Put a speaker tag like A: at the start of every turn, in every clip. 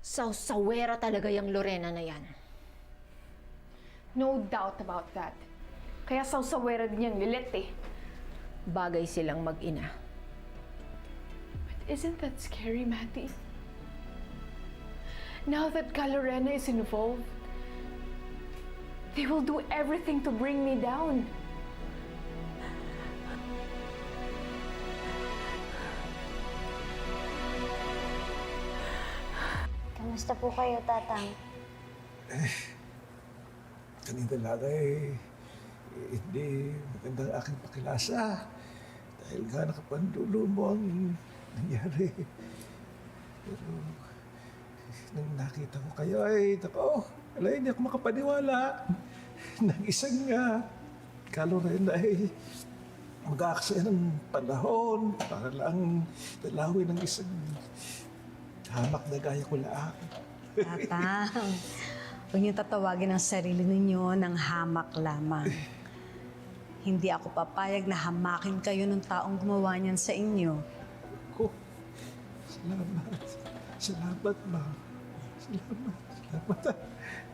A: Sawsawera talaga yung Lorena na yan.
B: No doubt about that. Kaya sawsawera din yung Lilet eh.
A: Bagay silang mag-ina.
B: But isn't that scary, Matty? Now that Lorena is involved, they will do everything to bring me down.
C: Kamusta po kayo, Tatang?
D: Kanina lang hindi magandang aking pakilasa. Dahil nga nakapandulo mo ang nangyari. Pero nang nakita ko kayo ay, hindi ako makapaniwala. Nang isang Lorena ay mag-aaksaya ng panahon para lang dalawin ng isang hamak na gaya ko lang.
E: Tatang, huwag niyo tatawagin ang sarili ninyo ng hamak lamang. Hindi ako papayag na hamakin kayo ng taong gumawa niyan sa inyo.
D: Ko, salamat. Salamat, ma. Salamat.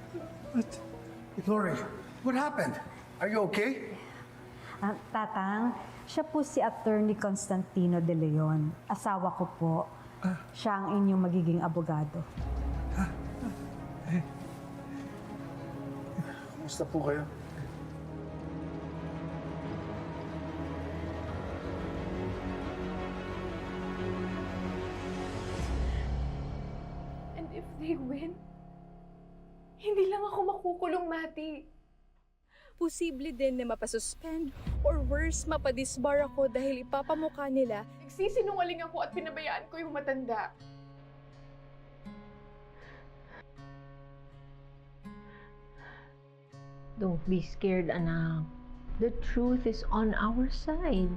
F: Lori, what happened? Are you okay?
E: Tatang, siya po si Attorney Constantino De Leon. Asawa ko po. Siya ang inyong magiging abogado.
F: Kumusta po kayo?
B: And if they win, hindi lang ako makukulong, Matty.
G: Posible din na mapasuspend or worse, mapadisbar ako dahil ipapamukha nila.
B: Nagsisinungaling ako at pinabayaan ko yung matanda.
A: Don't be scared, anak. The truth is on our side.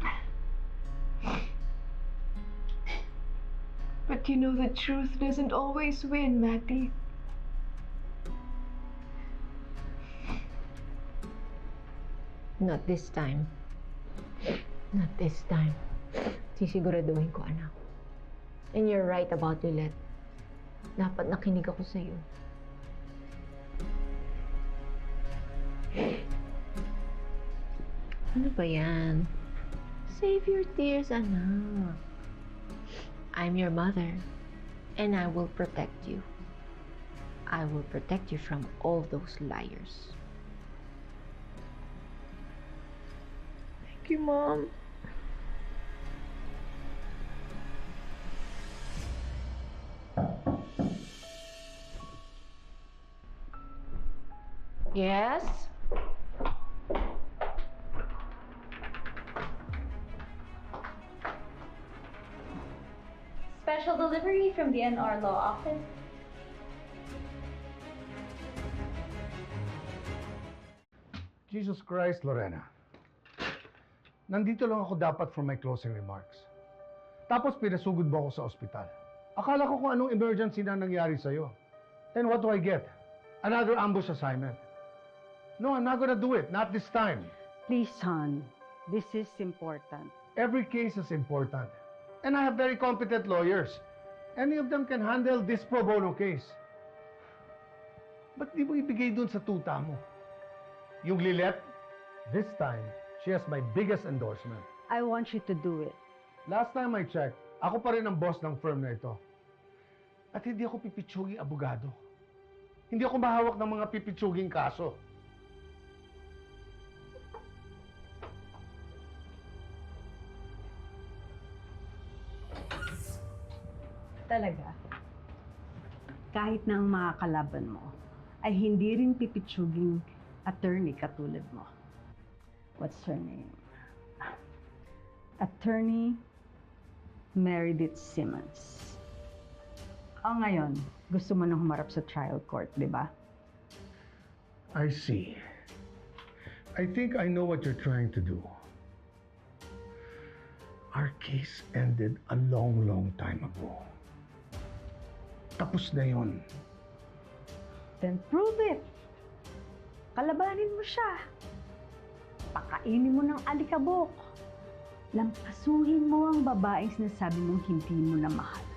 B: But you know the truth doesn't always win, Matty.
A: Not this time. Not this time. Sisiguraduhin ko, anak. And you're right about Lilet. Dapat nakinig ako sa'yo. Ano ba yan? Save your tears, anak. I'm your mother, and I will protect you. I will protect you from all those liars.
B: Thank you, Mom.
A: Yes?
C: Special delivery from the NR Law Office.
F: Jesus Christ, Lorena. Nandito lang ako dapat for my closing remarks. Tapos pinasugod mo ako sa ospital. Akala ko kung anong emergency na nangyari sa'yo. And what do I get? Another ambush assignment. No, I'm not gonna do it. Not this time.
E: Please, son. This is important.
F: Every case is important. And I have very competent lawyers. Any of them can handle this pro bono case. Ba't di mo ibigay dun sa tuta mo? Yung Lilet, this time, she has my biggest endorsement.
E: I want you to do it.
F: Last time I checked, ako pa rin ang boss ng firm na ito. At hindi ako pipitsuging abogado. Hindi ako mahawak ng mga pipitsuging kaso.
E: Talaga. Kahit na ang mga kalaban mo ay hindi rin pipitsuging attorney katulad mo. What's her name? Attorney Meredith Simmons. O ngayon, gusto mo nang humarap sa trial court, di ba?
F: I see. I think I know what you're trying to do. Our case ended a long, long time ago. Tapos na yun.
E: Then prove it. Kalabanin mo siya. Pakainin mo ng alikabok. Lampasuhin mo ang babaeng sinasabi mong hindi mo na mahal.